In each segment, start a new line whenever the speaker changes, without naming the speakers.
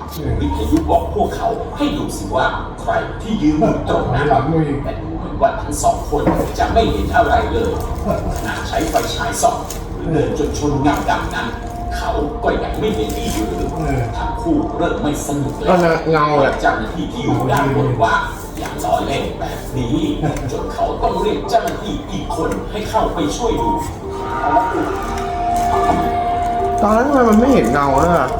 วิทยุบอกพวกเขาให้ดูสิว่าใครที่ยืนอยู่ตรงนั้นแต่ดูเหมือนว่าทั้งสองคนจะไม่เห็นอะไรเลยขณะใช้ไฟฉายส่องหรือเดินจนชนเงาดำนั้นเขาก็ยังไม่เห็นอีกหรือทั้งคู่เริ่มไม่สนุกแล้วเงาเจ้าหน้าที่ที่อยู่ด้านบนว่าอย่าล้อเล่นแบบนี้จนเขาต้องเรียกเจ้าหน้าที่อีกคนให้เข้าไปช่วยดู
ตอนนั้นมันไม่เห็นเงาเลยอะ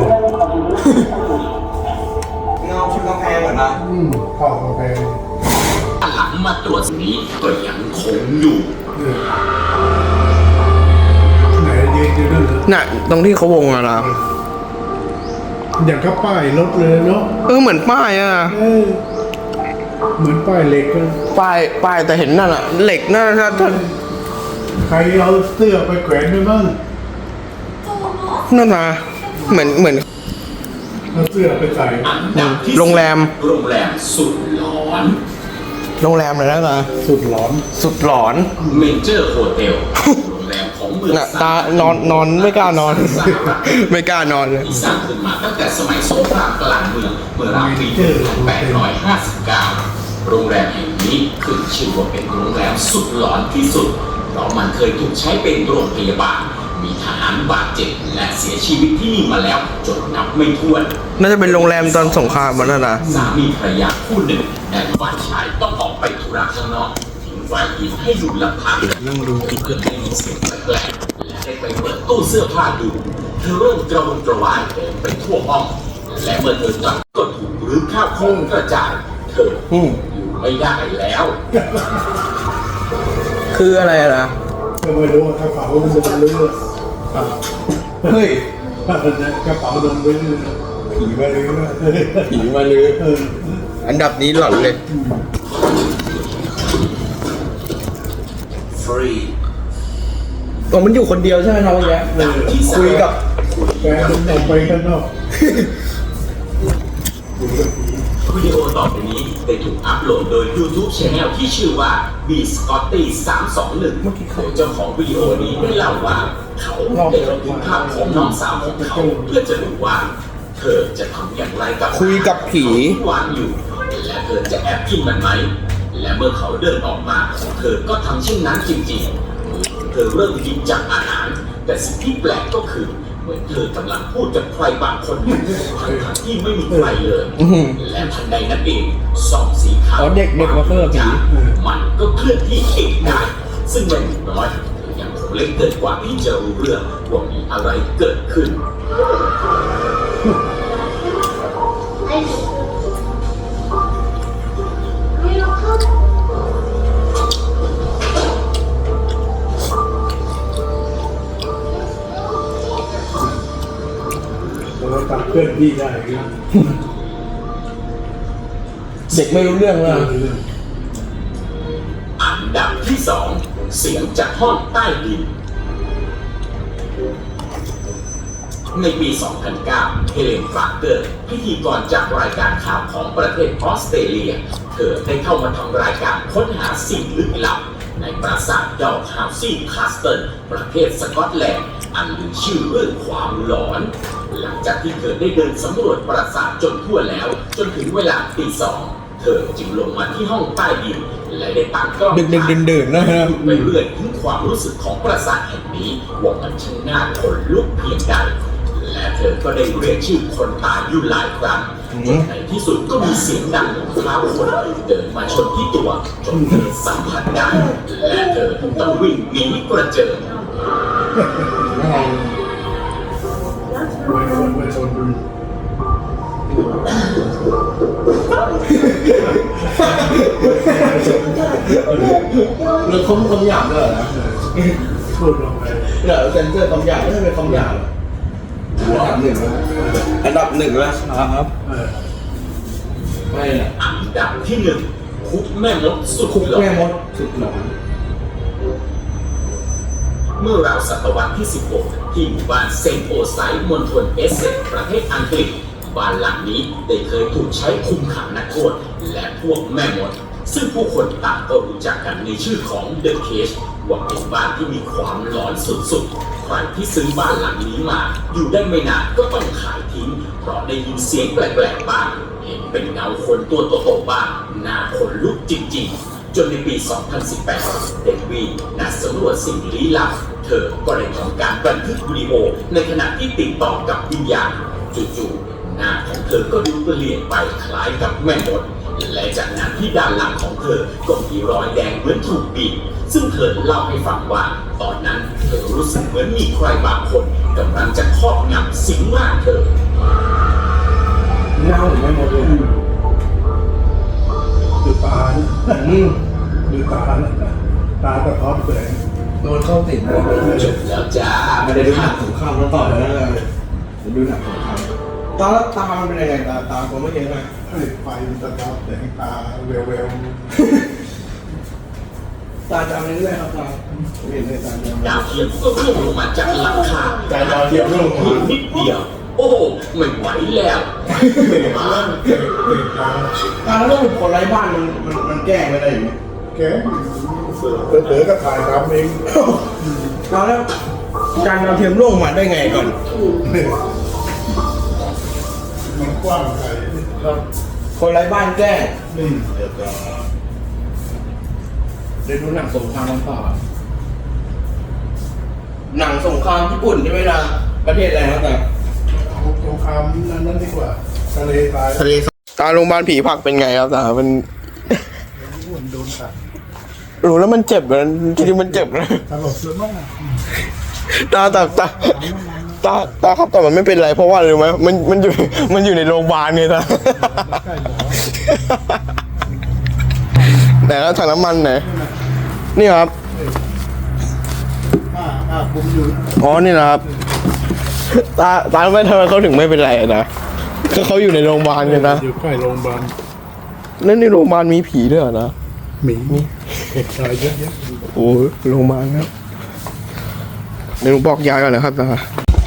เงาชนกำแพงเหมือนนะ
เข้ากำแพง
หลังมาตรวจนี้ก็ยังคงอยู่
ไหนยืนอยู่นั่นเหรอ
น่ะตรงที่เขาวงอะนะ
อย่างกับป้ายรถเลยเนาะ
เหมือนป้ายอะ
เหมือนป้ายเหล็กนะ
ป้ายแต่เห็นนั่นอะเหล็กนั่นนะท่าน
ใครเอาเสื้อไปแขวนไว้บ้าง
นั่นนะเหมือน
เอาเสื้อไปใส่
โรงแรม
สุดหลอน
โรงแรมเลยนะ
สุดหลอน
เมเจอร์โฮเทลโรงแรมของเมือง
ตานอนไม่กล้านอนไม่กล้านอนเลย
ที่สร้างขึ้นมาตั้งแต่สมัยสงครามกลางเมืองเมื่อราวปี1859โรงแรมแห่งนี้ขึ้นชื่อว่าเป็นโรงแรมสุดหลอนที่สุดเพราะมันเคยถูกใช้เป็นโรงพยาบาลมีทหารบาดเจ็บและเสียชีวิตที่นี่มาแล้วจนนับไม่ถ้วน
น่าจะเป็นโรงแรมตอนสงครามมันนะ
สามีภรรยาคู่หนึ่งแต่ฝ่ายชายต้องออกไปธุระข้างนอกทิ้งฝ่ายหญิงให้อยู่ลำพังนั่งดูเพื่อได้ยินเสียงแปลกๆและได้ไปเปิดตู้เสื้อผ้าดูเธอเริ่มกระวนกระวายเดินไปทั่วห้องและเมื่อเธอกลับก็ถูกรื้อข้าวของกระจายเธออยู่ไม่ได้แล้ว
คืออะไรล่ะ
ไม่รู้กระเป๋ามันโดนเลือด
เฮ้ย
กระเป๋าโดนเลือดผีมาเลย
อันดับนี้หล่อนเลย
ฟรี
ตัวมันอยู่คนเดียวใช่ไหมน้องแย้คุยกับ
แฟนมันออกไปข้างนอก
วิดีโอต่อไปนี้ได้ถูกอัพโหลดโดย YouTube Channel ที่ชื่อว่า B Scotty 321โดยเจ้าของวิดีโอนี้ได้เล่าว่าเขาได้บันทึกภาพของน้องสาวของเขาเพื่อจะดูว่าเธอจะทำอย่างไรกับ
คุยกับผี
วางอยู่และเธอจะแอบกินมันไหมและเมื่อเขาเดินออกมาเธอก็ทำเช่นนั้นจริงๆเธอเริ่มกินจากอาหารแต่สิ่งที่แปลกก็คือเหมือนเธอกำลังพูดกับใครบางคนทั้งที่ไม่มีใครเลยและทันใดนั้นเองส่องสีขาว
เด็กมาเพิ่มผี
มันก็เคลื่อนที่เองได้ซึ่งไม่น้อยยังคงเล็กเกินกว่าที่จะรู้เรื่องว่ามีอะไรเกิดขึ้น
เราตัดเพื่อนพี่ได้
เด็กไม่รู้เรื่องเลย
อันดับที่2เสียงจากห้องใต้ดินในปี 2009 เฮเลน ฟาร์เกอร์พิธีกรจากรายการข่าวของประเทศออสเตรเลียเธอได้เข้ามาทำรายการค้นหาสิ่งลึกลับในปราสาทดอกฮาวซีคาสเติลประเทศสกอตแลนด์อันมีชื่อเรื่องความหลอนหลังจากที่เธอได้เดินสำรวจปราสาทจนทั่วแล้วจนถึงเวลาตี 2เธอจึงลงมาที่ห้องใต้ดินและได้ตั้งกล้อง
ดึกๆนะครับ
ไปเรื่อยถึงความรู้สึกของปราสาทแห่งนี้ว่ามันช่างน่าขนลุกเพียงใดและเธอก็ได้เรียกชื่อคนตายอยู่หลายครั้งจนในที่สุดก็มีเสียงดังของเท้าคนเดินมาชนที่ตัวจนเธอสัมผัสได้และเธอต้องวิ่งหนีกระเจิง
ไม่ชนดู
เรื่องคำหยาบด้วยนะ
พูดลงไป
เดี๋ยวเซนเซอร์คำหยาบไม่ใช่เป็นคำหยาบอันดับหนึ่งแล้วครับไม่
อันดับที่1คุกแม่มดสุดหลอนเมื่อราวศตวรรษที่16ที่หมู่บ้านเซนต์โอไซด์มณฑลเอสเซ็กซ์ประเทศอังกฤษบ้านหลังนี้ได้เคยถูกใช้คุมขังนักโทษและพวกแม่มดซึ่งผู้คนต่างก็รู้จักกันในชื่อของ The Cage ว่าเป็นบ้านที่มีความหลอนสุดๆใครที่ซื้อบ้านหลังนี้มาอยู่ได้ไม่นานก็ต้องขายทิ้งเพราะได้ยินเสียงแปลกๆบ้างเห็นเป็นเงาคนตัวโตๆบ้างหน้าขนลุกจริงๆจนในปี 2018 เดวีนักสำรวจสิ่งลี้ลับเธอก็ได้ทำการบันทึกวิดีโอในขณะที่ติดต่อกับวิญญาณจู่ๆหน้าของเธอก็ดูเปลี่ยนไปคล้ายกับแม่มดและจากนั้นที่ด้านหลังของเธอก็มีรอยแดงเหมือนถูกบีบซึ่งเธอเล่าให้ฟังว่าตอนนั้นเธอรู้สึกเหมือนมีใครบางคนกำลังจะครอบงำสิงร่างเธอ
เน่าไม่หมดเลย
ดูตาดูตาตาสะท้อนแสง
โดนเข้าติดหัวเลย
จบแล้วจ้า
ไม่ได้ดูหนังสงครามมาต่อแล้วเลยดูหนังสงครามตามันเป็นยังไงตาผมไม่เห็นเลย
ไฟมันสะท้อนแสงตาเวล
ตาจำเรื่อยๆครับตาเห็นเลยตาจำ
ดาวเทียมก็ร่วงลงมาจากหลังคา
ใจดาวเทียมร่วง
เพียงนิดเดียว โอ้ไม่ไหวแล้ว
ตาแล้วคนไร้บ้านมันแก้ไม่ได้อยู่
แกเต๋อก็ถ่ายทำเอง
ตาแล้วการดาวเทียมร่วงมาได้ไงก่อน
มันกว้างไกล
คนไร้บ้านแก้
นี่
เดี๋ยวดูหนังสงครามมาต่อหนังสงครามญี่ปุ่นใช่ไหมล่ะประเทศอะไรครับตา
สงครามนั้นดีกว่าทะเลทราย
ตาโรงพยาบาลผีผักเป็นไงครับตามัน
โดนตัด
รู้แล้วมันเจ็บนะจริงๆมันเจ็บนะ
ตลกเลยมาก
ตาครับแต่มันไม่เป็นไรเพราะว่าอะไรรู้ไหมมันอยู่ในโรงพยาบาลไงตา
ใกล้หมอ
แต่แล้วถังน้ำมันไหนนี่ครับ
คุมอยู่
อ๋อนี่นะครับตาไม่ทำไมเขาถึงไม่เป็นไรนะคือเขาอยู่ในโรงพยาบาลกันนะ
อยู่ใกล้โรงพยาบาล
แล้วในโรงพยาบาลมีผีด้วยเหรอนะ
หมีเหตุการณ์เยอะ
โอ้โรงพยาบาลครับเดี๋ยวผมบอกยายก่อนนะครับตา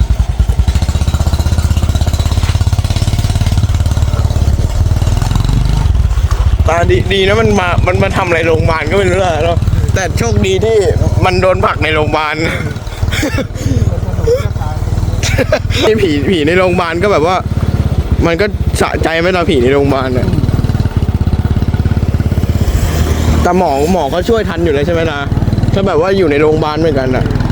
ดีนะมันมาทำอะไรโรงพยาบาลก็ไม่รู้เนาะแต่โชคดีที่มันโดนผลักในโรงพยาบาล นี่ผีในโรงพยาบาลก็แบบว่า มันก็สะใจไหมตอนผีในโรงพยาบาลเนี่ยแต่หมอก็ช่วยทันอยู่เลยใช่ไหมนะถ้าแบบว่าอยู่ในโรงพยาบาลเหมือนกันอะ
ๆ